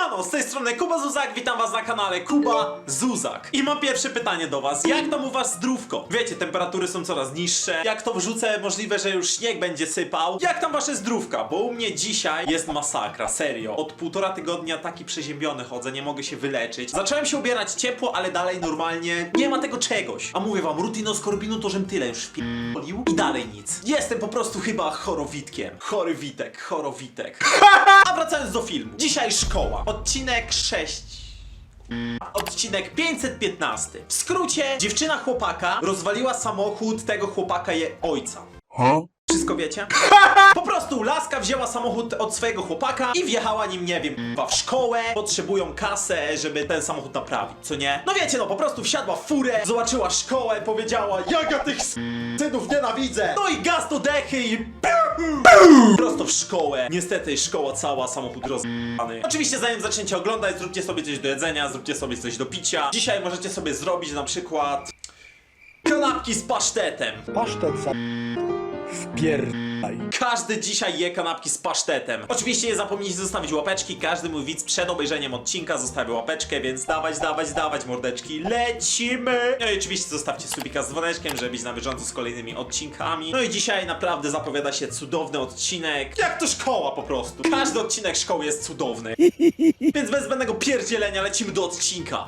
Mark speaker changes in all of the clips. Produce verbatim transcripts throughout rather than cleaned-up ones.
Speaker 1: Siemano, z tej strony Kuba Zuzak, witam was na kanale Kuba Zuzak. I mam pierwsze pytanie do was, jak tam u was zdrówko? Wiecie, temperatury są coraz niższe, jak to wrzucę, możliwe, że już śnieg będzie sypał. Jak tam wasze zdrówka? Bo u mnie dzisiaj jest masakra, serio. Od półtora tygodnia taki przeziębiony chodzę, nie mogę się wyleczyć. Zacząłem się ubierać ciepło, ale dalej normalnie nie ma tego czegoś. A mówię wam, rutinoskorbinu to żem tyle już wpi***lił i dalej nic. Jestem po prostu chyba chorowitkiem. Chory Witek, chorowitek. A wracając do filmu. Dzisiaj szkoła. Odcinek sześć. Odcinek pięćset piętnaście. W skrócie, dziewczyna chłopaka rozwaliła samochód tego chłopaka je ojca.
Speaker 2: Huh?
Speaker 1: Wszystko wiecie? Po prostu laska wzięła samochód od swojego chłopaka i wjechała nim, nie wiem, w szkołę. Potrzebują kasę, żeby ten samochód naprawić, co nie? No wiecie, no po prostu wsiadła w furę, zobaczyła szkołę, powiedziała: jak ja tych synów nienawidzę! No i gaz do dechy i prosto w szkołę. Niestety szkoła cała, samochód rozbany. Oczywiście zanim zaczniecie oglądać, zróbcie sobie coś do jedzenia, zróbcie sobie coś do picia. Dzisiaj możecie sobie zrobić na przykład kanapki z pasztetem.
Speaker 2: Pasztet za... wpierdaj.
Speaker 1: Każdy dzisiaj je kanapki z pasztetem. Oczywiście nie zapomnijcie zostawić łapeczki. Każdy mój widz przed obejrzeniem odcinka zostawił łapeczkę, więc dawać, dawać, dawać mordeczki. Lecimy! No i oczywiście zostawcie subika z dzwoneczkiem, żeby być na bieżąco z kolejnymi odcinkami. No i dzisiaj naprawdę zapowiada się cudowny odcinek. Jak to szkoła po prostu. Każdy odcinek szkoły jest cudowny. Więc bez zbędnego pierdzielenia lecimy do odcinka.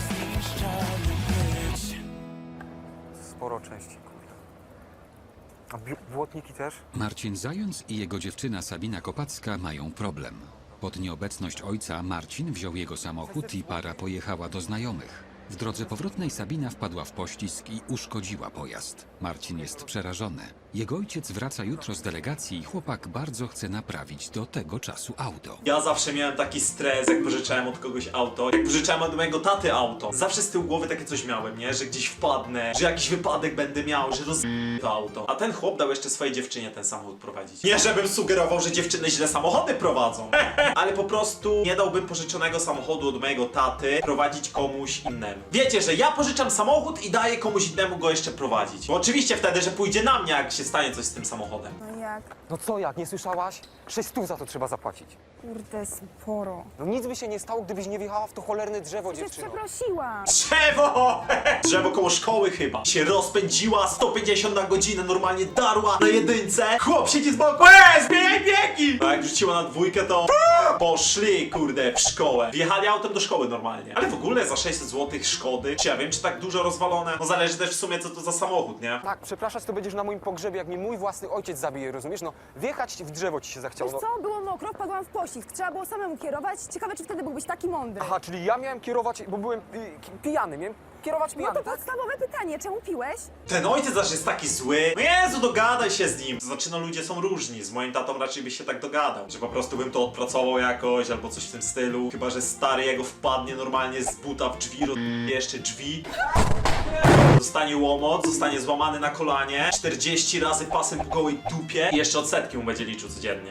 Speaker 3: Sporo części, kurde. A bi- błotniki też?
Speaker 4: Marcin Zając i jego dziewczyna Sabina Kopacka mają problem. Pod nieobecność ojca Marcin wziął jego samochód i para pojechała do znajomych. W drodze powrotnej Sabina wpadła w poślizg i uszkodziła pojazd. Marcin jest przerażony. Jego ojciec wraca jutro z delegacji i chłopak bardzo chce naprawić do tego czasu auto.
Speaker 1: Ja zawsze miałem taki stres, jak pożyczałem od kogoś auto. Jak pożyczałem od mojego taty auto. Zawsze z tyłu głowy takie coś miałem, nie? Że gdzieś wpadnę, że jakiś wypadek będę miał, że roz... to auto. A ten chłop dał jeszcze swojej dziewczynie ten samochód prowadzić. Nie żebym sugerował, że dziewczyny źle samochody prowadzą. Ale po prostu nie dałbym pożyczonego samochodu od mojego taty prowadzić komuś innemu. Wiecie, że ja pożyczam samochód i daję komuś innemu go jeszcze prowadzić. Bo oczywiście wtedy, że pójdzie na mnie, jak się stanie coś z tym samochodem.
Speaker 5: No jak?
Speaker 3: No co jak, nie słyszałaś? Sześć stów za to trzeba zapłacić.
Speaker 5: Kurde, sporo.
Speaker 3: No nic by się nie stało, gdybyś nie wjechała w to cholerne drzewo,
Speaker 5: Przecież
Speaker 3: dziewczyno.
Speaker 5: przeprosiłam.
Speaker 1: Drzewo! Drzewo koło szkoły chyba. Się rozpędziła sto pięćdziesiąt na godzinę, normalnie darła na jedynce. Chłop siedzi z boku. Eee, zmieniaj biegi! A jak rzuciła na dwójkę, to poszli, kurde, w szkołę. Wjechali autem do szkoły normalnie. Ale w ogóle za sześćset złotych szkody, czy ja wiem, czy tak dużo rozwalone? No zależy też w sumie, co to za samochód, nie?
Speaker 3: Tak, przepraszać to będziesz na moim pogrzebie, jak mi mój własny ojciec zabije, rozumiesz? No, wjechać w drzewo ci się zachciało.
Speaker 5: Wiesz
Speaker 3: No.
Speaker 5: co? Było mokro, wpadłam w poślizg. Trzeba było samemu kierować. Ciekawe, czy wtedy byłbyś taki mądry.
Speaker 3: Aha, czyli ja miałem kierować, bo byłem pi- ki- pijany, miałem kierować
Speaker 5: No
Speaker 3: pijany,
Speaker 5: to
Speaker 3: tak?
Speaker 5: podstawowe pytanie, czemu piłeś?
Speaker 1: Ten ojciec zawsze jest taki zły. No Jezu, dogadaj się z nim. To znaczy, no ludzie są różni. Z moim tatą raczej byś się tak dogadał. Że po prostu bym to odpracował jakoś, albo coś w tym stylu. Chyba że stary jego wpadnie normalnie z buta w drzwi, roz... jeszcze drzwi. Zostanie łomot, zostanie złamany na kolanie. czterdzieści razy pasem po gołej dupie. I jeszcze odsetki mu będzie liczył codziennie.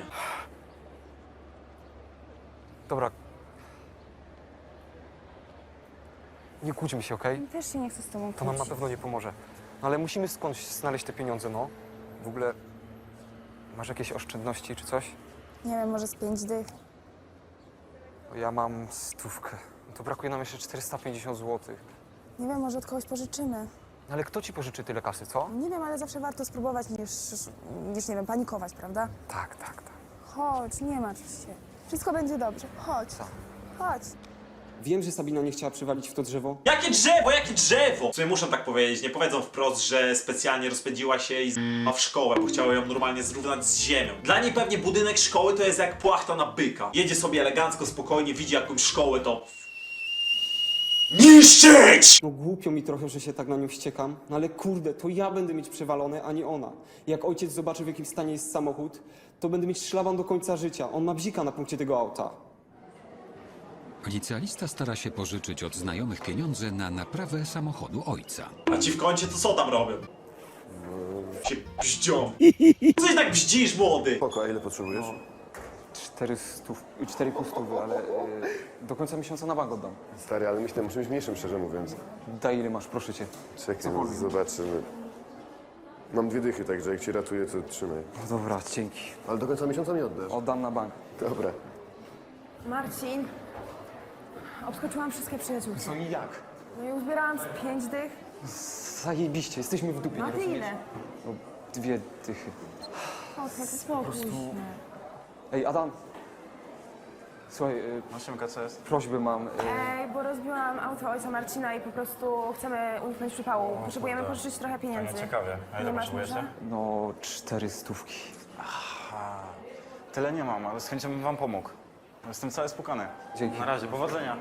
Speaker 3: Dobra. Nie kłóćmy się, okej?
Speaker 5: Też się nie chcę z tobą
Speaker 3: To nam na
Speaker 5: kłócić.
Speaker 3: pewno nie pomoże. No ale musimy skądś znaleźć te pieniądze, no. W ogóle masz jakieś oszczędności czy coś?
Speaker 5: Nie wiem, może z pięć dych.
Speaker 3: Ja mam stówkę. No to brakuje nam jeszcze czterysta pięćdziesiąt złotych.
Speaker 5: Nie wiem, może od kogoś pożyczymy.
Speaker 3: Ale kto ci pożyczy tyle kasy, co?
Speaker 5: Nie wiem, ale zawsze warto spróbować niż, niż nie wiem, panikować, prawda?
Speaker 3: Tak, tak, tak.
Speaker 5: Chodź, nie martw się. Wszystko będzie dobrze. Chodź.
Speaker 3: Co?
Speaker 5: Chodź.
Speaker 6: Wiem, że Sabina nie chciała przywalić w to drzewo.
Speaker 1: Jakie drzewo, jakie drzewo! W sumie muszę tak powiedzieć, nie powiedzą wprost, że specjalnie rozpędziła się i z***a w szkołę, bo chciała ją normalnie zrównać z ziemią. Dla niej pewnie budynek szkoły to jest jak płachta na byka. Jedzie sobie elegancko, spokojnie, widzi jakąś szkołę, to... niszczyć!
Speaker 6: No głupio mi trochę, że się tak na nią wściekam, no ale kurde, to ja będę mieć przewalone, a nie ona. Jak ojciec zobaczy, w jakim stanie jest samochód, to będę mieć szlaban do końca życia. On ma bzika na punkcie tego auta.
Speaker 4: Licealista stara się pożyczyć od znajomych pieniądze na naprawę samochodu ojca.
Speaker 1: A ci w kącie to co tam robią? Się bździą. Coś tak bździsz, młody?
Speaker 7: Spoko, a ile potrzebujesz?
Speaker 6: Cztery stów, cztery pół stówy, ale y, do końca miesiąca na bank oddam.
Speaker 7: Stary, ale myślę o czymś mniejszym, szczerze mówiąc.
Speaker 6: Daj ile masz, proszę cię.
Speaker 7: Czekaj, no, zobaczymy. Mam dwie dychy, także jak cię ratuję, to trzymaj.
Speaker 6: No dobra, dzięki.
Speaker 7: Ale do końca miesiąca mi oddasz.
Speaker 6: Oddam na bank.
Speaker 7: Dobra.
Speaker 5: Marcin, Obskoczyłam wszystkie przyjaciółki.
Speaker 6: No i jak?
Speaker 5: No i uzbierałam z pięć dych.
Speaker 6: Zajebiście, jesteśmy w dupie,
Speaker 5: No a
Speaker 6: nie
Speaker 5: ty
Speaker 6: rozumiesz?
Speaker 5: ile?
Speaker 6: No, dwie dychy.
Speaker 5: Oskar, spokój się.
Speaker 6: Ej, Adam. Słuchaj, y,
Speaker 8: Maszynka, co jest?
Speaker 6: prośbę mam. Y,
Speaker 5: Ej, bo rozbiłam auto ojca Marcina i po prostu chcemy uniknąć przypału. Potrzebujemy pożyczyć trochę pieniędzy.
Speaker 8: Ciekawie. A ile
Speaker 5: Nie masz
Speaker 8: potrzebujecie?
Speaker 5: może?
Speaker 6: no, cztery stówki.
Speaker 8: Tyle nie mam, ale z chęcią bym wam pomógł. Jestem cały spukany.
Speaker 6: Dzięki.
Speaker 8: Na razie, powodzenia.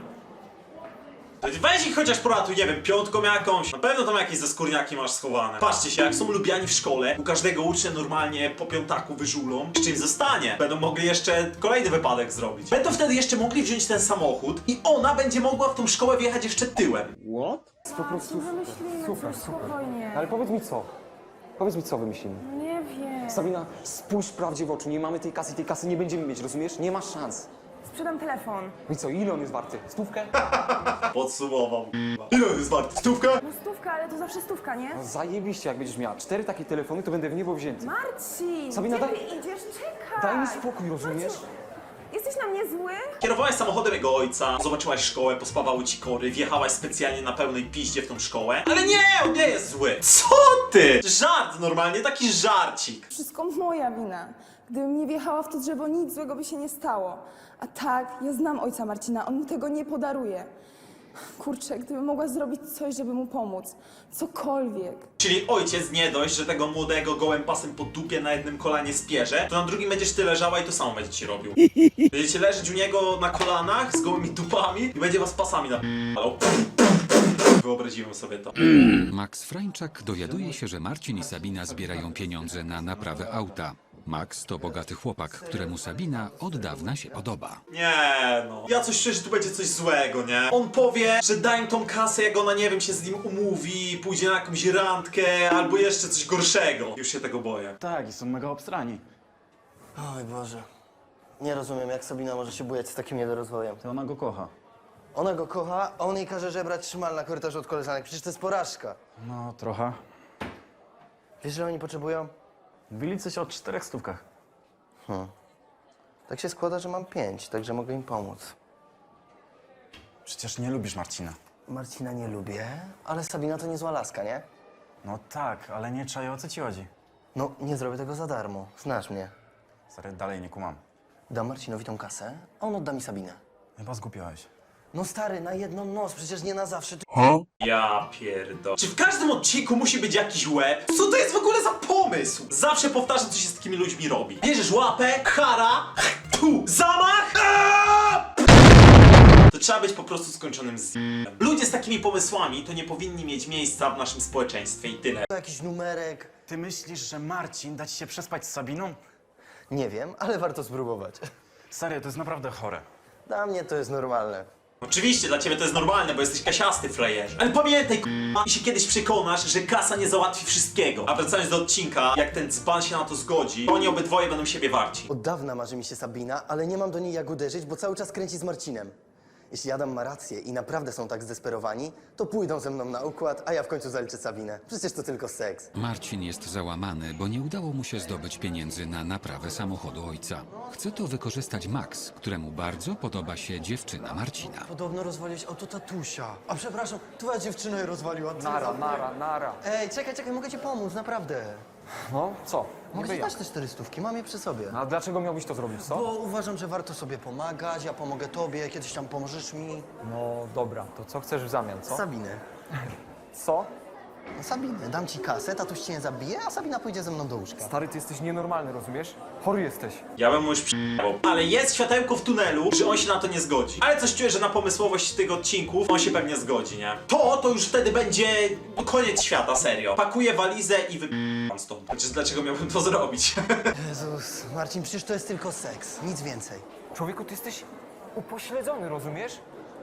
Speaker 1: Weź ich chociaż poratuj, nie wiem, piątką jakąś. Na pewno tam jakieś ze skórniaki masz schowane. Patrzcie się, jak są lubiani w szkole, u każdego ucznia normalnie po piątaku wyżulą, z czym zostanie. Będą mogli jeszcze kolejny wypadek zrobić. Będą wtedy jeszcze mogli wziąć ten samochód i ona będzie mogła w tą szkołę wjechać jeszcze tyłem.
Speaker 6: What? Po prostu.
Speaker 5: Wymyślimy
Speaker 6: Super,
Speaker 5: coś
Speaker 6: super.
Speaker 5: spokojnie.
Speaker 6: Ale powiedz mi co? Powiedz mi co wymyślimy.
Speaker 5: Nie wiem.
Speaker 6: Sabina, spójrz prawdzie w oczy, nie mamy tej kasy, tej kasy nie będziemy mieć, rozumiesz? Nie masz szans.
Speaker 5: Sprzedam telefon.
Speaker 6: No i co, ile on jest warty? Stówkę?
Speaker 1: Podsumował. Ile on jest wart? Stówkę?
Speaker 5: No stówka, ale to zawsze stówka, nie?
Speaker 6: No zajebiście, jak będziesz miała cztery takie telefony, to będę w niebo wzięty.
Speaker 5: Marcin!
Speaker 6: Sabina,
Speaker 5: gdzie
Speaker 6: daj-
Speaker 5: ty idziesz? Czekaj!
Speaker 6: Daj mi spokój, rozumiesz?
Speaker 5: Marcin, jesteś na mnie zły?
Speaker 1: Kierowałaś samochodem jego ojca, zobaczyłaś szkołę, pospawały ci kory, wjechałaś specjalnie na pełnej piździe w tą szkołę. Ale nie, on nie jest zły. Co ty? Żart normalnie, taki żarcik.
Speaker 5: Wszystko moja wina. Gdybym nie wjechała w to drzewo, nic złego by się nie stało. A tak, ja znam ojca Marcina, on mi tego nie podaruje. Kurczę, gdybym mogła zrobić coś, żeby mu pomóc. Cokolwiek.
Speaker 1: Czyli ojciec nie dość, że tego młodego gołym pasem po dupie na jednym kolanie spierze, to na drugim będziesz ty leżała i to samo będzie ci robił. Będziecie leżeć u niego na kolanach z gołymi dupami i będzie was pasami napalał. Wyobraziłem sobie to.
Speaker 4: Max Frańczak dowiaduje się, że Marcin i Sabina zbierają pieniądze na naprawę auta. Max to bogaty chłopak, któremu Sabina od dawna się podoba.
Speaker 1: Nie no. Ja coś czuję, że tu będzie coś złego, nie? On powie, że daj im tą kasę, jak ona, nie wiem, się z nim umówi, pójdzie na jakąś randkę, albo jeszcze coś gorszego. Już się tego boję.
Speaker 8: Tak, i są mega obstrani.
Speaker 9: Oj Boże. Nie rozumiem, jak Sabina może się bujać z takim niedorozwojem.
Speaker 8: To ona go kocha.
Speaker 9: Ona go kocha, a on jej każe żebrać szmal na korytarzu od koleżanek. Przecież to jest porażka.
Speaker 8: No, trochę.
Speaker 9: Wiesz, że oni potrzebują?
Speaker 8: Mówili coś o czterech stówkach.
Speaker 9: Tak się składa, że mam pięć, także mogę im pomóc.
Speaker 8: Przecież nie lubisz Marcina.
Speaker 9: Marcina nie lubię, ale Sabina to niezła laska, nie?
Speaker 8: No tak, ale nie czaję, o co ci chodzi.
Speaker 9: No, nie zrobię tego za darmo. Znasz mnie.
Speaker 8: Stary, dalej nie kumam.
Speaker 9: Dam Marcinowi tą kasę, a on odda mi Sabinę.
Speaker 8: Chyba zgłupiałeś.
Speaker 9: No stary, na jedną noc, przecież nie na zawsze. Ty...
Speaker 1: Ja pierdolę. Czy w każdym odcinku musi być jakiś łeb? Co to jest w ogóle za pomysł? Zawsze powtarzam, co się z takimi ludźmi robi. Bierzesz łapę, kara, tu, zamach, aaa! To trzeba być po prostu skończonym z... Ludzie z takimi pomysłami to nie powinni mieć miejsca w naszym społeczeństwie i tyle.
Speaker 9: To jakiś numerek.
Speaker 8: Ty myślisz, że Marcin da ci się przespać z Sabiną?
Speaker 9: Nie wiem, ale warto spróbować.
Speaker 8: Stary, to jest naprawdę chore.
Speaker 9: Dla mnie to jest normalne.
Speaker 1: Oczywiście, dla ciebie to jest normalne, bo jesteś kasiasty, frajerze. Ale pamiętaj, k***a, i się kiedyś przekonasz, że kasa nie załatwi wszystkiego. A wracając do odcinka, jak ten dzban się na to zgodzi, to oni obydwoje będą siebie warci.
Speaker 9: Od dawna marzy mi się Sabina, ale nie mam do niej jak uderzyć, bo cały czas kręci z Marcinem. Jeśli Adam ma rację i naprawdę są tak zdesperowani, to pójdą ze mną na układ, a ja w końcu zaliczę Sabinę. Przecież to tylko seks.
Speaker 4: Marcin jest załamany, bo nie udało mu się zdobyć pieniędzy na naprawę samochodu ojca. Chce to wykorzystać Max, któremu bardzo podoba się dziewczyna Marcina.
Speaker 9: Podobno rozwaliłeś auto tatusia. A przepraszam, twoja dziewczyna je rozwaliła.
Speaker 6: Nara, nara, nara.
Speaker 9: Ej, czekaj, czekaj, mogę ci pomóc, naprawdę.
Speaker 6: No, co?
Speaker 9: Mogę
Speaker 6: Niby
Speaker 9: ci
Speaker 6: jak?
Speaker 9: dać te cztery stówki, mam je przy sobie.
Speaker 6: A dlaczego miałbyś to zrobić, co?
Speaker 9: Bo uważam, że warto sobie pomagać, ja pomogę tobie, kiedyś tam pomożesz mi.
Speaker 6: No dobra, to co chcesz w zamian, co?
Speaker 9: Sabinę.
Speaker 6: Co?
Speaker 9: No Sabinę, dam ci kasę, tatuś cię nie zabije, a Sabina pójdzie ze mną do łóżka.
Speaker 6: Stary, ty jesteś nienormalny, rozumiesz? Chory jesteś.
Speaker 1: Ja bym mu już przyjechał. Ale jest światełko w tunelu, że on się na to nie zgodzi. Ale coś czuję, że na pomysłowość tych odcinków on się pewnie zgodzi, nie? To, to już wtedy będzie no, koniec świata, serio. Pakuję walizę i wypijam stąd. Chociaż dlaczego miałbym to zrobić?
Speaker 9: Jezus, Marcin, przecież to jest tylko seks, nic więcej.
Speaker 6: Człowieku, ty jesteś upośledzony, rozumiesz?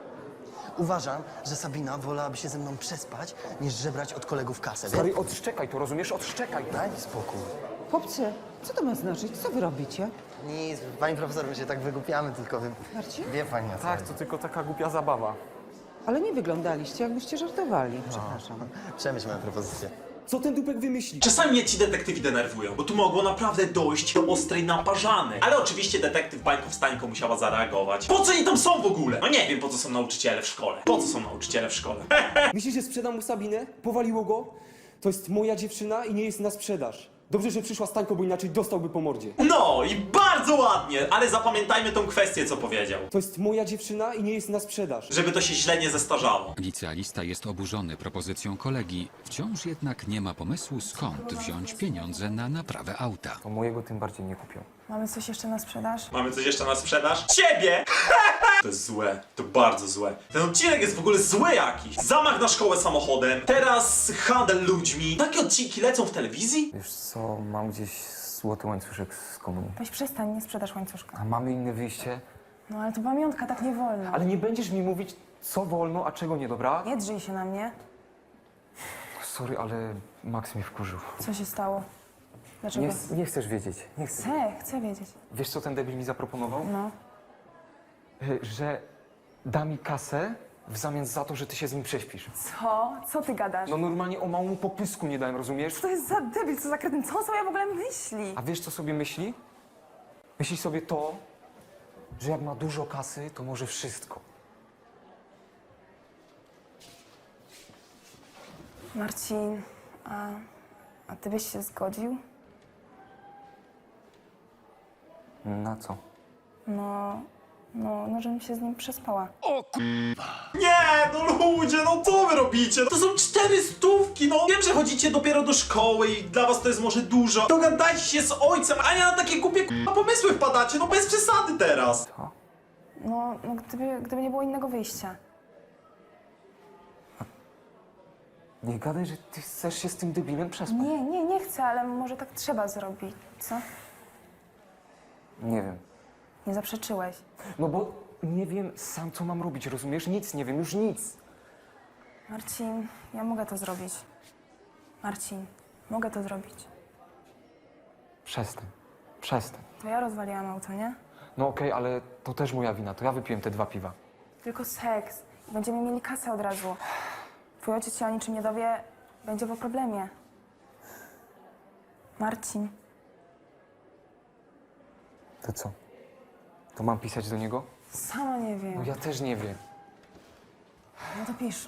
Speaker 9: Uważam, że Sabina wolałaby się ze mną przespać, niż żebrać od kolegów kasę, wiesz?
Speaker 6: Stary, odszczekaj to, rozumiesz? Odszczekaj.
Speaker 9: Daj mi spokój.
Speaker 10: Chłopcy, co to ma znaczyć? Co wy robicie?
Speaker 9: Nic, pani profesor, my się tak wygłupiamy, tylko wy...
Speaker 10: Marcin?
Speaker 9: Wie pani o co
Speaker 6: Tak,
Speaker 9: chodzi.
Speaker 6: to tylko taka głupia zabawa.
Speaker 10: Ale nie wyglądaliście, jakbyście żartowali. Przepraszam.
Speaker 9: Przemyśl moją propozycję.
Speaker 6: Co ten dupek wymyśli?
Speaker 1: Czasami mnie ci detektywi denerwują, bo tu mogło naprawdę dojść do ostrej naparzany. Ale oczywiście detektyw Bańko Wstańko musiała zareagować. Po co oni tam są w ogóle? No nie wiem, po co są nauczyciele w szkole. Po co są nauczyciele w szkole?
Speaker 6: Myślisz, że sprzedam mu Sabinę? Powaliło go? To jest moja dziewczyna i nie jest na sprzedaż. Dobrze, że przyszła Stańko, bo inaczej dostałby po mordzie.
Speaker 1: No i bardzo ładnie, ale zapamiętajmy tą kwestię, co powiedział.
Speaker 6: To jest moja dziewczyna i nie jest na sprzedaż.
Speaker 1: Żeby to się źle nie zestarzało.
Speaker 4: Licealista jest oburzony propozycją kolegi, wciąż jednak nie ma pomysłu, skąd wziąć pieniądze na naprawę auta.
Speaker 3: To mojego tym bardziej nie kupią.
Speaker 5: Mamy coś jeszcze na sprzedaż?
Speaker 1: Mamy coś jeszcze na sprzedaż? Ciebie! To jest złe, to bardzo złe. Ten odcinek jest w ogóle zły jakiś. Zamach na szkołę samochodem, teraz handel ludźmi. Takie odcinki lecą w telewizji?
Speaker 3: Wiesz co, mam gdzieś złoty łańcuszek z komunii.
Speaker 5: Weź przestań, nie sprzedasz łańcuszka.
Speaker 3: A mamy inne wyjście?
Speaker 5: No ale to pamiątka, tak nie wolno.
Speaker 3: Ale nie będziesz mi mówić, co wolno, a czego nie, dobra?
Speaker 5: Nie drzyj się na mnie.
Speaker 3: Sorry, ale Max mnie wkurzył.
Speaker 5: Co się stało? Dlaczego?
Speaker 3: Nie, nie chcesz wiedzieć, nie chcesz.
Speaker 5: Chcę, chcę wiedzieć.
Speaker 3: Wiesz, co ten debil mi zaproponował?
Speaker 5: No.
Speaker 3: Y, Że da mi kasę w zamian za to, że ty się z nim prześpisz.
Speaker 5: Co? Co ty gadasz?
Speaker 3: No normalnie o małą popysku nie dałem, rozumiesz?
Speaker 5: Co to jest za debil, co za kretyn? Co on sobie w ogóle myśli?
Speaker 3: A wiesz, co sobie myśli? Myśli sobie to, że jak ma dużo kasy, to może wszystko.
Speaker 5: Marcin, a, a ty byś się zgodził?
Speaker 3: Na co?
Speaker 5: No, no, no, żebym się z nim przespała.
Speaker 1: Nie, no ludzie, no co wy robicie? To są cztery stówki, no. Wiem, że chodzicie dopiero do szkoły i dla was to jest może dużo. Dogadajcie się z ojcem, a nie na takie głupie k***a pomysły wpadacie, no bez przesady teraz.
Speaker 5: No, no gdyby, gdyby nie było innego wyjścia.
Speaker 3: Nie gadaj, że ty chcesz się z tym debilem przespać.
Speaker 5: Nie, nie, nie chcę, ale może tak trzeba zrobić, co?
Speaker 3: Nie wiem.
Speaker 5: Nie zaprzeczyłeś.
Speaker 3: No bo nie wiem sam, co mam robić, rozumiesz? Nic nie wiem, już nic.
Speaker 5: Marcin, ja mogę to zrobić. Marcin, mogę to zrobić.
Speaker 3: Przestań. Przestań.
Speaker 5: To ja rozwaliłam auto, nie?
Speaker 3: No okej, ale to też moja wina. To ja wypiłem te dwa piwa.
Speaker 5: Tylko seks. I będziemy mieli kasę od razu. Twój ojciec się o niczym nie dowie, będzie po problemie. Marcin,
Speaker 3: To co? To mam pisać do niego?
Speaker 5: sama nie
Speaker 3: No
Speaker 5: wiem.
Speaker 3: ja też nie wiem.
Speaker 5: No to pisz.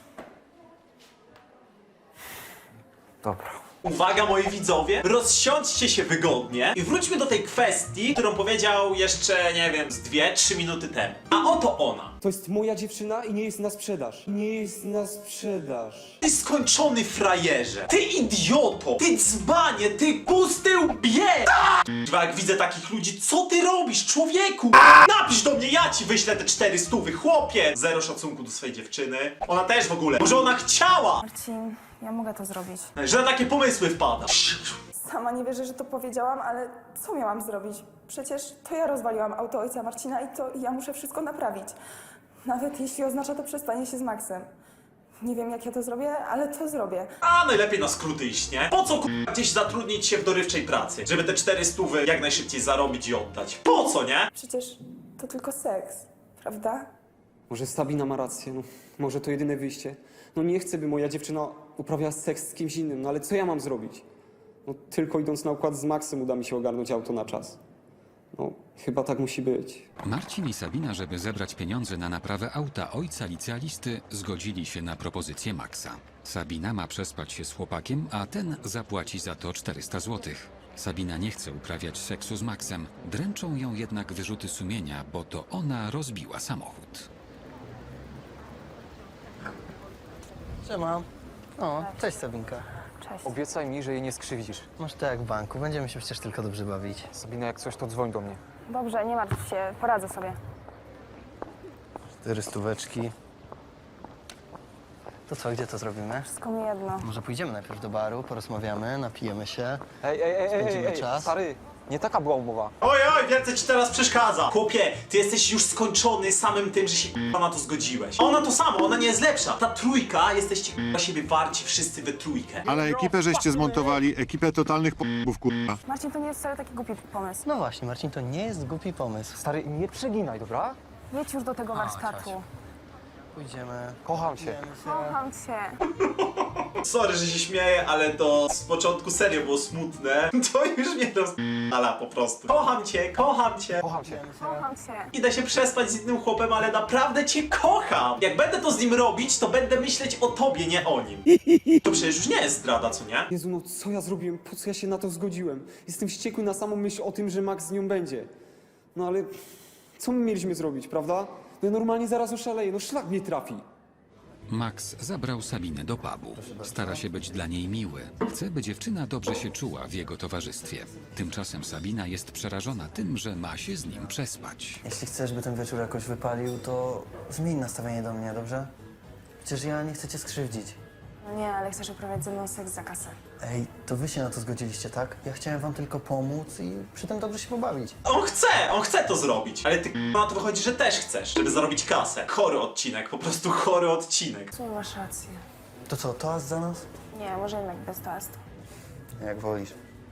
Speaker 3: Dobra.
Speaker 1: Uwaga, moi widzowie, rozsiądźcie się wygodnie i wróćmy do tej kwestii, którą powiedział jeszcze, nie wiem, z dwie, trzy minuty temu. A oto ona.
Speaker 6: To jest moja dziewczyna i nie jest na sprzedaż. Nie jest na sprzedaż.
Speaker 1: Ty skończony frajerze, ty idioto, ty dzbanie, ty pusty łbie! Kurwa, jak widzę takich ludzi, co ty robisz, człowieku? Napisz do mnie, ja ci wyślę te cztery stówy, chłopie! Zero szacunku do swojej dziewczyny. Ona też w ogóle. Może ona chciała,
Speaker 5: Marcin, ja mogę to zrobić.
Speaker 1: że na takie pomysły wpada.
Speaker 5: Sama nie wierzę, że to powiedziałam, ale co miałam zrobić? Przecież to ja rozwaliłam auto ojca Marcina i to ja muszę wszystko naprawić. Nawet jeśli oznacza to przestanie się z Maxem. Nie wiem, jak ja to zrobię, ale to zrobię.
Speaker 1: A najlepiej na skróty iść, nie? Po co k***a gdzieś zatrudnić się w dorywczej pracy? Żeby te cztery stówy jak najszybciej zarobić i oddać. Po co, nie?
Speaker 5: Przecież to tylko seks, prawda?
Speaker 6: Może Sabina ma rację, no. Może to jedyne wyjście. No nie chcę, by moja dziewczyna uprawiała seks z kimś innym, no ale co ja mam zrobić? No tylko idąc na układ z Maxem uda mi się ogarnąć auto na czas. No, chyba tak musi być.
Speaker 4: Marcin i Sabina, żeby zebrać pieniądze na naprawę auta ojca licealisty, zgodzili się na propozycję Maxa. Sabina ma przespać się z chłopakiem, a ten zapłaci za to czterysta złotych. Sabina nie chce uprawiać seksu z Maxem, dręczą ją jednak wyrzuty sumienia, bo to ona rozbiła samochód.
Speaker 9: Siema. O, cześć Sabinka.
Speaker 5: Cześć.
Speaker 3: Obiecaj mi, że jej nie skrzywdzisz.
Speaker 9: Masz to jak w banku, będziemy się przecież tylko dobrze bawić.
Speaker 3: Sabina, jak coś, to dzwoń do mnie.
Speaker 5: Dobrze, nie martw się, poradzę sobie.
Speaker 9: Cztery stóweczki. To co, gdzie to zrobimy?
Speaker 5: Wszystko mi jedno.
Speaker 9: Może pójdziemy najpierw do baru, porozmawiamy, napijemy się.
Speaker 3: Ej, ej, ej, ej,
Speaker 9: Spędzimy
Speaker 3: ej, ej,
Speaker 9: czas.
Speaker 3: stary, nie taka była umowa.
Speaker 1: Oj, oj, więcej ci teraz przeszkadza. Chłopie, ty jesteś już skończony samym tym, że się k***a na to zgodziłeś. Ona to samo, ona nie jest lepsza. Ta trójka, jesteście k***a siebie warci wszyscy we trójkę.
Speaker 11: Ale ekipę żeście zmontowali, ekipę totalnych p***ów, kurwa.
Speaker 5: Marcin, to nie jest wcale taki głupi pomysł.
Speaker 9: No właśnie, Marcin, to nie jest głupi pomysł.
Speaker 3: Stary, nie przeginaj, dobra?
Speaker 5: Jedź już do tego
Speaker 9: A,
Speaker 5: warsztatu.
Speaker 9: chodź. Pójdziemy.
Speaker 3: Kocham cię.
Speaker 5: Kocham cię.
Speaker 1: Sorry, że się śmieję, ale to z początku serio było smutne. To już mnie rozpala po prostu. Kocham cię, kocham cię.
Speaker 3: Kocham cię.
Speaker 5: Kocham cię.
Speaker 1: Idę się przespać z innym chłopem, ale naprawdę cię kocham. Jak będę to z nim robić, to będę myśleć o tobie, nie o nim. To przecież już nie jest zdrada, co nie?
Speaker 6: Jezu, no co ja zrobiłem? Po co ja się na to zgodziłem? Jestem wściekły na samą myśl o tym, że Max z nią będzie. No ale co my mieliśmy zrobić, prawda? No ja normalnie zaraz oszaleję, no szlak mnie trafi.
Speaker 4: Max zabrał Sabinę do pubu. Stara się być dla niej miły. Chce, by dziewczyna dobrze się czuła w jego towarzystwie. Tymczasem Sabina jest przerażona tym, że ma się z nim przespać.
Speaker 9: Jeśli chcesz, by ten wieczór jakoś wypalił, to zmień nastawienie do mnie, dobrze? Przecież ja nie chcę cię skrzywdzić.
Speaker 5: No nie, ale chcesz uprawiać ze mną seks za kasę.
Speaker 9: Ej, to wy się na to zgodziliście, tak? Ja chciałem wam tylko pomóc i przy tym dobrze się pobawić.
Speaker 1: On chce, on chce to zrobić. Ale ty k***a, na to wychodzi, że też chcesz, żeby zarobić kasę. Chory odcinek, po prostu chory odcinek.
Speaker 5: W sumie masz rację.
Speaker 9: To co, toast za nas?
Speaker 5: Nie, może jednak bez toastu.
Speaker 9: Jak wolisz.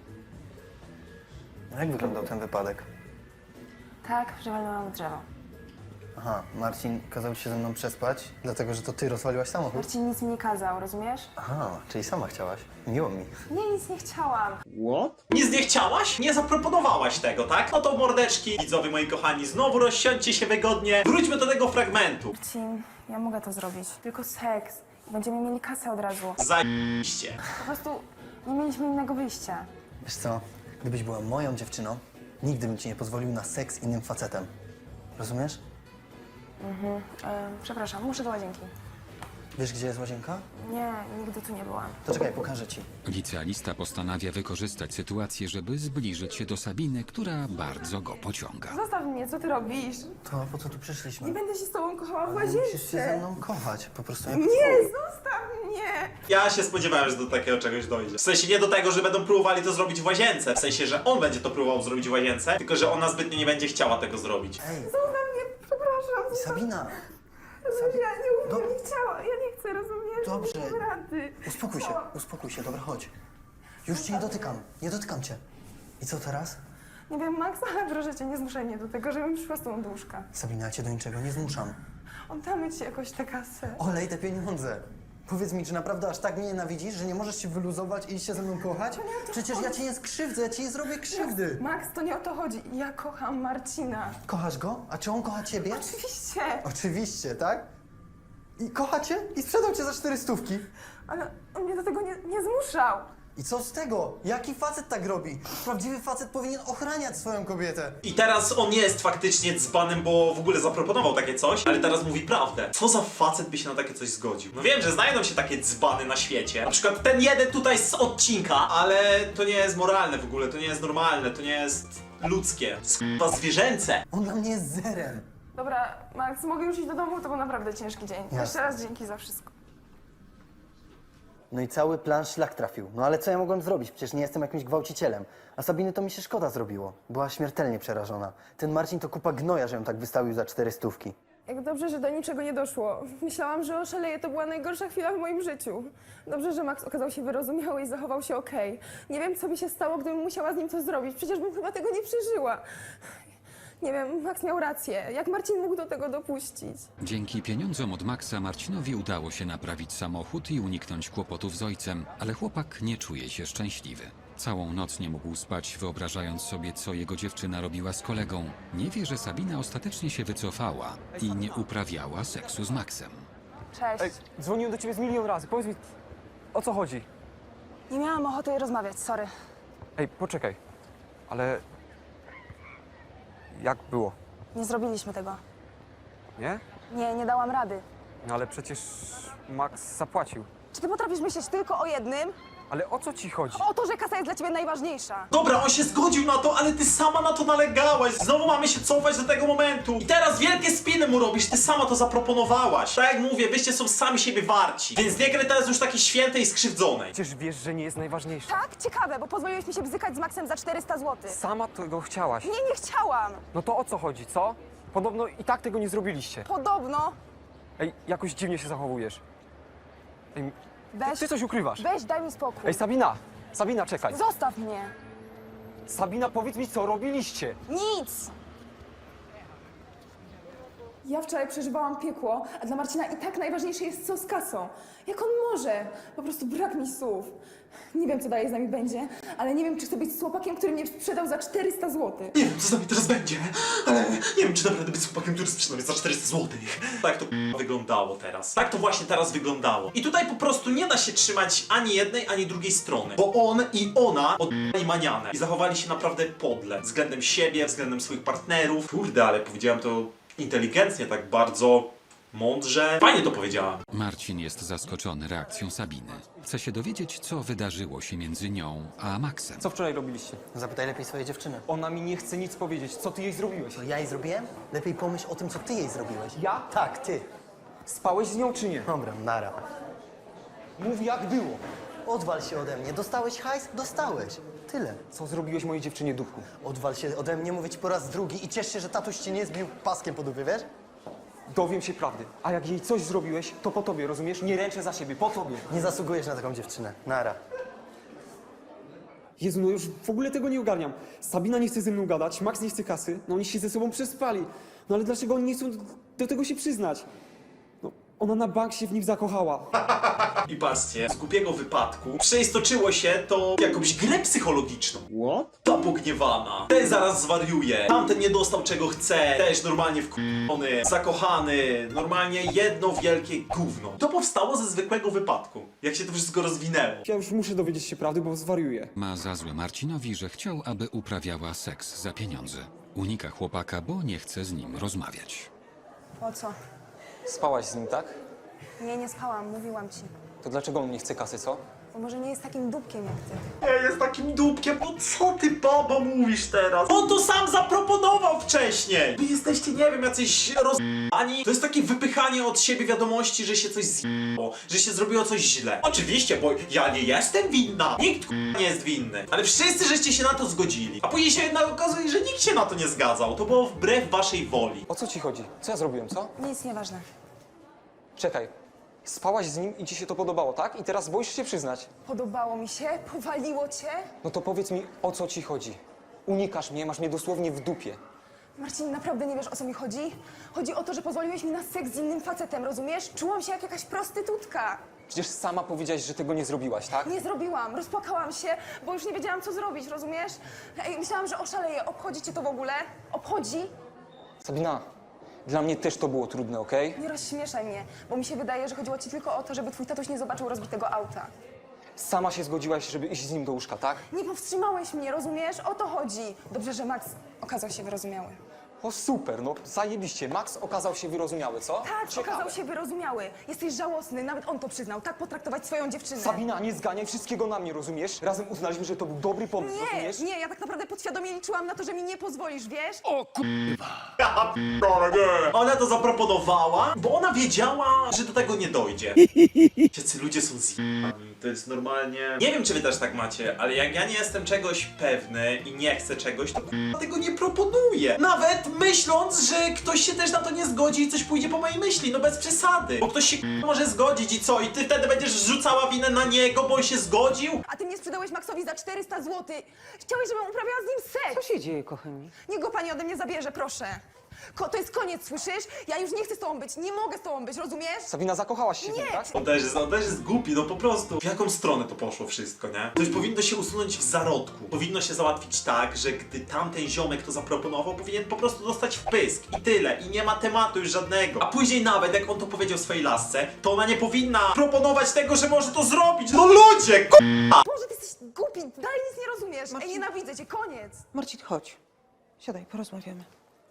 Speaker 9: Jak wyglądał ten wypadek?
Speaker 5: Tak, że walnęłam w drzewo.
Speaker 9: Aha, Marcin kazał ci się ze mną przespać, dlatego że to ty rozwaliłaś samochód?
Speaker 5: Marcin nic mi nie kazał, rozumiesz?
Speaker 9: Aha, czyli sama chciałaś. Miło mi.
Speaker 5: Nie, nic nie chciałam.
Speaker 1: Nic nie chciałaś? Nie zaproponowałaś tego, tak? No to mordeczki, widzowie moi kochani, znowu rozsiądźcie się wygodnie. Wróćmy do tego fragmentu.
Speaker 5: Marcin, ja mogę to zrobić. Tylko seks. Będziemy mieli kasę od razu.
Speaker 1: Zajebiście.
Speaker 5: Po prostu nie mieliśmy innego wyjścia.
Speaker 9: Wiesz co, gdybyś była moją dziewczyną, nigdy bym ci nie pozwolił na seks z innym facetem. Rozumiesz?
Speaker 5: E, przepraszam, muszę do łazienki.
Speaker 9: Wiesz, gdzie jest łazienka?
Speaker 5: Nie, nigdy tu nie byłam.
Speaker 9: To czekaj, pokażę ci.
Speaker 4: Licealista postanawia wykorzystać sytuację, żeby zbliżyć się do Sabiny, która bardzo go pociąga.
Speaker 5: Zostaw mnie, co ty robisz?
Speaker 9: To po co tu przyszliśmy?
Speaker 5: Nie będę się z tobą kochała w
Speaker 9: Ale musisz się ze
Speaker 5: łazience.
Speaker 9: mną kochać, po prostu jak
Speaker 5: Nie, zostaw mnie!
Speaker 1: Ja się spodziewałem, że do takiego czegoś dojdzie. W sensie nie do tego, że będą próbowali to zrobić w łazience. W sensie, że on będzie to próbował zrobić w łazience, tylko że ona zbytnio nie będzie chciała tego zrobić.
Speaker 9: Ej,
Speaker 5: Zostaw mnie, przepraszam.
Speaker 9: Sabina!
Speaker 5: Rozumiesz, ja nie,
Speaker 9: Do-
Speaker 5: nie chciała, ja nie chcę, rozumiesz?
Speaker 9: Dobrze.
Speaker 5: Nie dam rady.
Speaker 9: Uspokój się, uspokój się, dobra, chodź. Już cię nie dotykam, nie dotykam cię. I co teraz?
Speaker 5: Nie wiem, Max, ale proszę cię, nie zmuszaj mnie do tego, żebym przyszła z tą do łóżka.
Speaker 9: Sabina, ja cię do niczego nie zmuszam.
Speaker 5: Oddamy ci jakoś tę kasę.
Speaker 9: Olej te pieniądze. Powiedz mi, czy naprawdę aż tak mnie nienawidzisz, że nie możesz się wyluzować i iść się ze mną kochać?
Speaker 5: To nie o to
Speaker 9: Przecież ja
Speaker 5: chodzi.
Speaker 9: cię nie skrzywdzę, ja ci nie zrobię krzywdy.
Speaker 5: Max, to nie o to chodzi. Ja kocham Marcina.
Speaker 9: Kochasz go? A czy on kocha ciebie?
Speaker 5: Oczywiście.
Speaker 9: Oczywiście, tak? I kocha cię? I sprzedał cię za cztery stówki.
Speaker 5: Ale on mnie do tego nie, nie zmuszał.
Speaker 9: I co z tego? Jaki facet tak robi? Prawdziwy facet powinien ochraniać swoją kobietę.
Speaker 1: I teraz on jest faktycznie dzbanem, bo w ogóle zaproponował takie coś, ale teraz mówi prawdę. Co za facet by się na takie coś zgodził? No wiem, że znajdą się takie dzbany na świecie. Na przykład ten jeden tutaj z odcinka, ale to nie jest moralne w ogóle, to nie jest normalne, to nie jest ludzkie. Chyba zwierzęce.
Speaker 9: On dla mnie jest zerem.
Speaker 5: Dobra, Max, mogę już iść do domu? To był naprawdę ciężki dzień.
Speaker 9: Jasne.
Speaker 5: Jeszcze raz dzięki za wszystko.
Speaker 9: No i cały plan szlak trafił. No ale co ja mogłem zrobić? Przecież nie jestem jakimś gwałcicielem. A Sabiny to mi się szkoda zrobiło. Była śmiertelnie przerażona. Ten Marcin to kupa gnoja, że ją tak wystawił za cztery stówki.
Speaker 5: Jak dobrze, że do niczego nie doszło. Myślałam, że oszaleję. To była najgorsza chwila w moim życiu. Dobrze, że Max okazał się wyrozumiały i zachował się okej. Nie wiem, co by się stało, gdybym musiała z nim coś zrobić. Przecież bym chyba tego nie przeżyła. Nie wiem, Max miał rację. Jak Marcin mógł do tego dopuścić?
Speaker 4: Dzięki pieniądzom od Maxa Marcinowi udało się naprawić samochód i uniknąć kłopotów z ojcem, ale chłopak nie czuje się szczęśliwy. Całą noc nie mógł spać, wyobrażając sobie, co jego dziewczyna robiła z kolegą. Nie wie, że Sabina ostatecznie się wycofała i nie uprawiała seksu z Maxem.
Speaker 5: Cześć.
Speaker 6: Ej, dzwoniłem do ciebie z milion razy, powiedz mi, o co chodzi?
Speaker 5: Nie miałam ochoty rozmawiać, sorry.
Speaker 6: Ej, poczekaj, ale... Jak było,
Speaker 5: Nie zrobiliśmy tego.
Speaker 6: nie?
Speaker 5: Nie, nie dałam rady.
Speaker 6: No ale przecież Max zapłacił.
Speaker 5: Czy ty potrafisz myśleć tylko o jednym?
Speaker 6: Ale o co ci chodzi?
Speaker 5: O to, że kasa jest dla ciebie najważniejsza.
Speaker 1: Dobra, on się zgodził na to, ale ty sama na to nalegałaś. Znowu mamy się cofać do tego momentu. I teraz wielkie spiny mu robisz, ty sama to zaproponowałaś. Tak jak mówię, wyście są sami siebie warci. Więc nie graj teraz już takiej świętej i skrzywdzonej.
Speaker 6: Przecież wiesz, że nie jest najważniejsze.
Speaker 5: Tak? Ciekawe, bo pozwoliłeś mi się bzykać z Maxem za czterysta złotych.
Speaker 6: Sama tego chciałaś.
Speaker 5: Nie, nie chciałam.
Speaker 6: No to o co chodzi, co? Podobno i tak tego nie zrobiliście.
Speaker 5: Podobno.
Speaker 6: Ej, jakoś dziwnie się zachowujesz. Ej,
Speaker 5: Weź,
Speaker 6: ty coś ukrywasz.
Speaker 5: weź, daj mi spokój.
Speaker 6: Ej, Sabina! Sabina, czekaj.
Speaker 5: Zostaw mnie.
Speaker 6: Sabina, powiedz mi, co robiliście.
Speaker 5: Nic. Ja wczoraj przeżywałam piekło, a dla Marcina i tak najważniejsze jest co z kasą. Jak on może? Po prostu brak mi słów. Nie wiem, co dalej z nami będzie, ale nie wiem, czy chcę być z chłopakiem, który mnie sprzedał za czterysta złotych.
Speaker 1: Nie wiem, co z nami teraz będzie, ale nie wiem, czy naprawdę być chłopakiem, który sprzedał mnie za czterysta złotych. Tak to k***a wyglądało teraz. Tak to właśnie teraz wyglądało. I tutaj po prostu nie da się trzymać ani jednej, ani drugiej strony. Bo on i ona oddali manianę. I zachowali się naprawdę podle. Względem siebie, względem swoich partnerów. Kurde, ale powiedziałem to inteligentnie, tak bardzo mądrze. Fajnie to powiedziałam.
Speaker 4: Marcin jest zaskoczony reakcją Sabiny. Chce się dowiedzieć, co wydarzyło się między nią a Maxem.
Speaker 6: Co wczoraj robiliście?
Speaker 9: Zapytaj lepiej swojej dziewczyny.
Speaker 6: Ona mi nie chce nic powiedzieć. Co ty jej zrobiłeś?
Speaker 9: To ja jej zrobiłem? Lepiej pomyśl o tym, co ty jej zrobiłeś.
Speaker 6: Ja?
Speaker 9: Tak, ty.
Speaker 6: Spałeś z nią czy nie?
Speaker 9: Dobra, nara.
Speaker 6: Mów jak było.
Speaker 9: Odwal się ode mnie. Dostałeś hajs? Dostałeś. Tyle.
Speaker 6: Co zrobiłeś mojej dziewczynie, dupku?
Speaker 9: Odwal się ode mnie, mówię ci po raz drugi i ciesz się, że tatuś cię nie zbił paskiem po dupie, wiesz?
Speaker 6: Dowiem się prawdy. A jak jej coś zrobiłeś, to po tobie, rozumiesz? Nie ręczę za siebie, po tobie.
Speaker 9: Nie zasługujesz na taką dziewczynę. Nara.
Speaker 6: Jezu, no już w ogóle tego nie ogarniam. Sabina nie chce ze mną gadać, Max nie chce kasy, no oni się ze sobą przespali. No ale dlaczego oni nie chcą do tego się przyznać? No, ona na bank się w nim zakochała.
Speaker 1: I patrzcie, z głupiego wypadku przeistoczyło się to w jakąś grę psychologiczną.
Speaker 2: What?
Speaker 1: Ta pogniewana, ten zaraz zwariuje, tamten nie dostał czego chce, też normalnie wkurzony, zakochany, normalnie jedno wielkie gówno. To powstało ze zwykłego wypadku, jak się to wszystko rozwinęło.
Speaker 6: Ja już muszę dowiedzieć się prawdy, bo zwariuję.
Speaker 4: Ma za złe Marcinowi, że chciał, aby uprawiała seks za pieniądze. Unika chłopaka, bo nie chce z nim rozmawiać.
Speaker 5: Po co?
Speaker 6: Spałaś z nim, tak?
Speaker 5: Nie, nie spałam, mówiłam ci.
Speaker 6: To dlaczego on nie chce kasy, co?
Speaker 5: Bo może nie jest takim dupkiem jak ty.
Speaker 1: Nie jest takim dupkiem, no co ty babo mówisz teraz? On to sam zaproponował wcześniej! Wy jesteście, nie wiem, jacyś roz***ani. To jest takie wypychanie od siebie wiadomości, że się coś zjebało, że się zrobiło coś źle. Oczywiście, bo ja nie jestem winna. Nikt k***a nie jest winny. Ale wszyscy żeście się na to zgodzili. A później się jednak okazuje, że nikt się na to nie zgadzał. To było wbrew waszej woli.
Speaker 6: O co ci chodzi? Co ja zrobiłem, co?
Speaker 5: Nic nieważne.
Speaker 6: Czekaj. Spałaś z nim i ci się to podobało, tak? I teraz boisz się przyznać.
Speaker 5: Podobało mi się? Powaliło cię?
Speaker 6: No to powiedz mi, o co ci chodzi? Unikasz mnie, masz mnie dosłownie w dupie.
Speaker 5: Marcin, naprawdę nie wiesz, o co mi chodzi? Chodzi o to, że pozwoliłeś mi na seks z innym facetem, rozumiesz? Czułam się jak jakaś prostytutka.
Speaker 6: Przecież sama powiedziałaś, że tego nie zrobiłaś, tak?
Speaker 5: Nie zrobiłam, rozpłakałam się, bo już nie wiedziałam, co zrobić, rozumiesz? Ej, myślałam, że oszaleję. Obchodzi cię to w ogóle? Obchodzi?
Speaker 6: Sabina, dla mnie też to było trudne, okej?
Speaker 5: Nie rozśmieszaj mnie, bo mi się wydaje, że chodziło ci tylko o to, żeby twój tatuś nie zobaczył rozbitego auta.
Speaker 6: Sama się zgodziłaś, żeby iść z nim do łóżka, tak?
Speaker 5: Nie powstrzymałeś mnie, rozumiesz? O to chodzi. Dobrze, że Max okazał się wyrozumiały.
Speaker 6: O super, no zajebiście. Max okazał się wyrozumiały, co?
Speaker 5: Tak,
Speaker 6: Ciekawe.
Speaker 5: okazał się wyrozumiały. Jesteś żałosny, nawet on to przyznał. Tak potraktować swoją dziewczynę.
Speaker 6: Sabina, nie zganiaj wszystkiego na mnie, rozumiesz? Razem uznaliśmy, że to był dobry pomysł,
Speaker 5: Nie,
Speaker 6: rozumiesz?
Speaker 5: nie, ja tak naprawdę podświadomie liczyłam na to, że mi nie pozwolisz, wiesz?
Speaker 1: Ja p***ole, nie. Ona to zaproponowała, bo ona wiedziała, że do tego nie dojdzie. Jacy ludzie są zjebani, to jest normalnie... Nie wiem, czy wy też tak macie, ale jak ja nie jestem czegoś pewny i nie chcę czegoś, to k***a tego nie proponuję. Nawet myśląc, że ktoś się też na to nie zgodzi i coś pójdzie po mojej myśli, no bez przesady. Bo ktoś się k***a może zgodzić i co? I ty wtedy będziesz rzucała winę na niego, bo on się zgodził?
Speaker 5: A ty mnie sprzedałeś Maxowi za czterysta złotych. Chciałeś, żebym uprawiała z nim
Speaker 10: Co
Speaker 5: seks.
Speaker 10: się dzieje, kochani?
Speaker 5: Niech go pani ode mnie zabierze, proszę. Ko to jest koniec, słyszysz? Ja już nie chcę z tobą być, nie mogę z tobą być, rozumiesz?
Speaker 6: Sabina, zakochałaś się w nim,
Speaker 5: Nie.
Speaker 6: tak?
Speaker 1: On też, jest, on też jest głupi, no po prostu. W jaką stronę to poszło wszystko, nie? To już powinno się usunąć w zarodku. Powinno się załatwić tak, że gdy tamten ziomek to zaproponował, powinien po prostu dostać w pysk. I tyle. I nie ma tematu już żadnego. A później nawet, jak on to powiedział swojej lasce, to ona nie powinna proponować tego, że może to zrobić. No ludzie, k***a!
Speaker 5: Boże, ty jesteś głupi, dalej nic nie rozumiesz. Ej, nienawidzę cię, koniec.
Speaker 10: Marcin, chodź. Siadaj, porozmawiamy.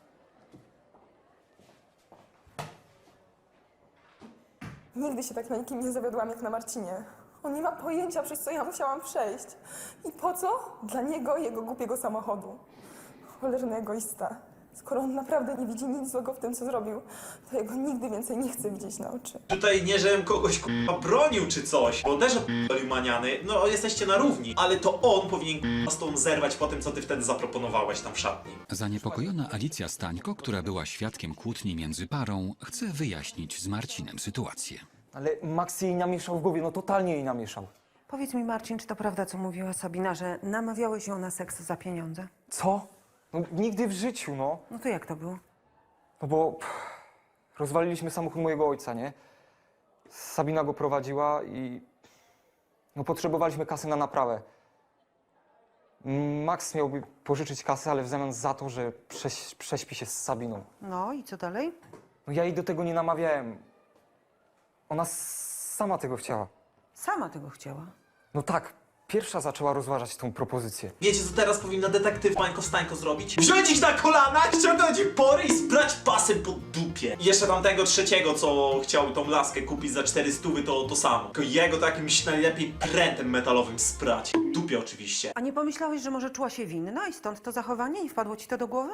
Speaker 5: Nigdy się tak na nikim nie zawiodłam jak na Marcinie. On nie ma pojęcia, przez co ja musiałam przejść. I po co? Dla niego i jego głupiego samochodu. Cholerny egoista. Skoro on naprawdę nie widzi nic złego w tym, co zrobił, to jego nigdy więcej nie chce widzieć na oczy.
Speaker 1: Tutaj nie, żebym kogoś k***a bronił czy coś, bo też odpalił maniany, no jesteście na równi, ale to on powinien k***a z tą zerwać po tym, co ty wtedy zaproponowałeś tam w szatni.
Speaker 4: Zaniepokojona Alicja Stańko, która była świadkiem kłótni między parą, chce wyjaśnić z Marcinem sytuację.
Speaker 6: Ale Max jej namieszał w głowie, no totalnie jej namieszał.
Speaker 10: Powiedz mi, Marcin, czy to prawda, co mówiła Sabina, że namawiałeś ją na seks za pieniądze?
Speaker 6: Co? No nigdy w życiu, no.
Speaker 10: No to jak to było?
Speaker 6: No bo... pff,
Speaker 3: rozwaliliśmy samochód mojego ojca, nie? Sabina go prowadziła i no, potrzebowaliśmy kasy na naprawę. Max miałby pożyczyć kasę, ale w zamian za to, że prześ, prześpi się z Sabiną.
Speaker 10: No i co dalej?
Speaker 3: No, ja jej do tego nie namawiałem. Ona s- sama tego chciała.
Speaker 10: Sama tego chciała.
Speaker 3: No tak, pierwsza zaczęła rozważać tą propozycję.
Speaker 1: Wiecie, co teraz powinna detektyw Mańko Stańko zrobić? Wziąć ich na kolana, ściągnąć ich pory i sprać pasem po dupie. I jeszcze tamtego trzeciego, co chciał tą laskę kupić za cztery stówy, to to samo. Tylko jego to jakimś najlepiej prętem metalowym sprać. Dupie oczywiście.
Speaker 10: A nie pomyślałeś, że może czuła się winna i stąd to zachowanie? Nie wpadło ci to do głowy?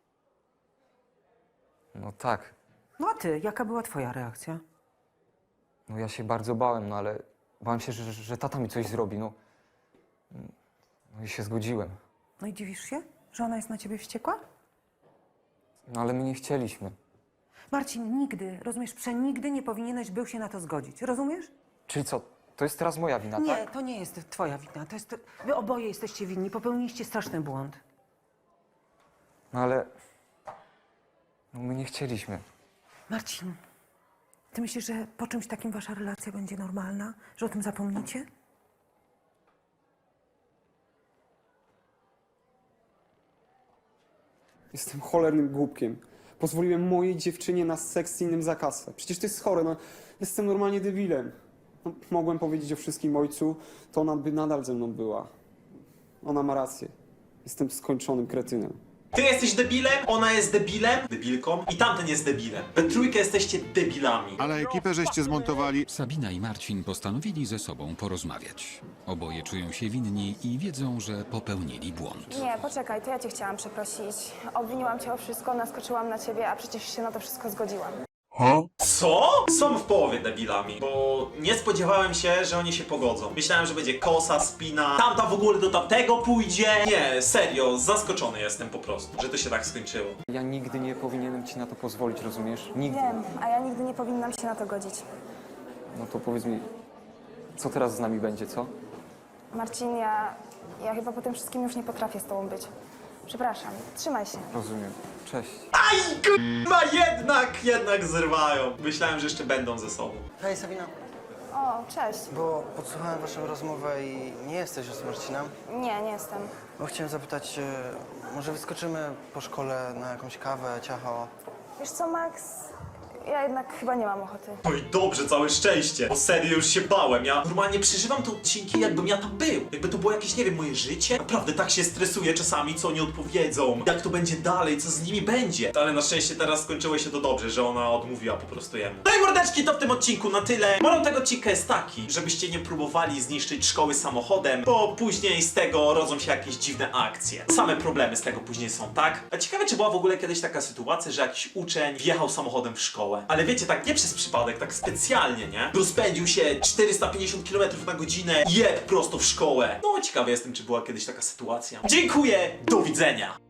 Speaker 3: No tak,
Speaker 10: No a ty, jaka była twoja reakcja?
Speaker 3: no ja się bardzo bałem, no ale bałem się, że, że tata mi coś zrobi, no. No i się zgodziłem.
Speaker 10: No i dziwisz się, że ona jest na ciebie wściekła?
Speaker 3: No ale my nie chcieliśmy.
Speaker 10: Marcin, nigdy, rozumiesz, przenigdy nie powinieneś był się na to zgodzić. Rozumiesz?
Speaker 3: Czyli co, to jest teraz moja wina,
Speaker 10: Nie,
Speaker 3: tak?
Speaker 10: to nie jest twoja wina. To jest... Wy oboje jesteście winni. Popełniliście straszny błąd.
Speaker 3: No ale... No my nie chcieliśmy.
Speaker 10: Marcin, ty myślisz, że po czymś takim wasza relacja będzie normalna? Że o tym zapomnicie?
Speaker 6: Jestem cholernym głupkiem. Pozwoliłem mojej dziewczynie na seks z innym za kasę. Przecież to jest chore, no. Jestem normalnie debilem. No, mogłem powiedzieć o wszystkim ojcu, to ona by nadal ze mną była. Ona ma rację. Jestem skończonym kretynem.
Speaker 1: Ty jesteś debilem, ona jest debilem, debilką i tamten jest debilem. We trójkę jesteście debilami.
Speaker 11: Ale ekipę żeście zmontowali.
Speaker 4: Sabina i Marcin postanowili ze sobą porozmawiać. Oboje czują się winni i wiedzą, że popełnili błąd.
Speaker 5: Nie, poczekaj, to ja cię chciałam przeprosić. Obwiniłam cię o wszystko, naskoczyłam na ciebie, a przecież się na to wszystko zgodziłam.
Speaker 1: Co? Są w połowie debilami, bo nie spodziewałem się, że oni się pogodzą. Myślałem, że będzie kosa, spina, tamta w ogóle do tamtego pójdzie. Nie, serio, zaskoczony jestem po prostu, że to się tak skończyło.
Speaker 3: Ja nigdy nie powinienem ci na to pozwolić, rozumiesz? Nigdy.
Speaker 5: Wiem, a ja nigdy nie powinnam się na to godzić.
Speaker 3: No to powiedz mi, co teraz z nami będzie, co?
Speaker 5: Marcin, ja, ja chyba po tym wszystkim już nie potrafię z tobą być. Przepraszam, trzymaj się.
Speaker 3: Rozumiem. Cześć.
Speaker 1: Aj, k***a, jednak, jednak zrywają. Myślałem, że jeszcze będą ze sobą.
Speaker 9: Hej Sabina,
Speaker 5: O, cześć.
Speaker 9: bo podsłuchałem waszą rozmowę i nie jesteś już z Marcinem.
Speaker 5: Nie, nie jestem.
Speaker 9: Bo chciałem zapytać, e, może wyskoczymy po szkole na jakąś kawę, ciacho?
Speaker 5: Wiesz co, Max? Ja jednak chyba nie mam ochoty.
Speaker 1: No i dobrze, całe szczęście, bo serio już się bałem. Ja normalnie przeżywam te odcinki, jakbym ja tam był. Jakby to było jakieś, nie wiem, moje życie. Naprawdę tak się stresuję czasami, co oni odpowiedzą, jak to będzie dalej, co z nimi będzie. Ale na szczęście teraz skończyło się to dobrze, że ona odmówiła po prostu jemu. No i mordeczki, to w tym odcinku na tyle. Morał tego odcinka jest taki, żebyście nie próbowali zniszczyć szkoły samochodem, bo później z tego rodzą się jakieś dziwne akcje. Same problemy z tego później są, tak? A ciekawe, czy była w ogóle kiedyś taka sytuacja, że jakiś uczeń wjechał samochodem w szkołę. Ale wiecie, tak nie przez przypadek, tak specjalnie, nie? Rozpędził się czterysta pięćdziesiąt kilometrów na godzinę i jadł prosto w szkołę. No, ciekawy jestem, czy była kiedyś taka sytuacja. Dziękuję, do widzenia!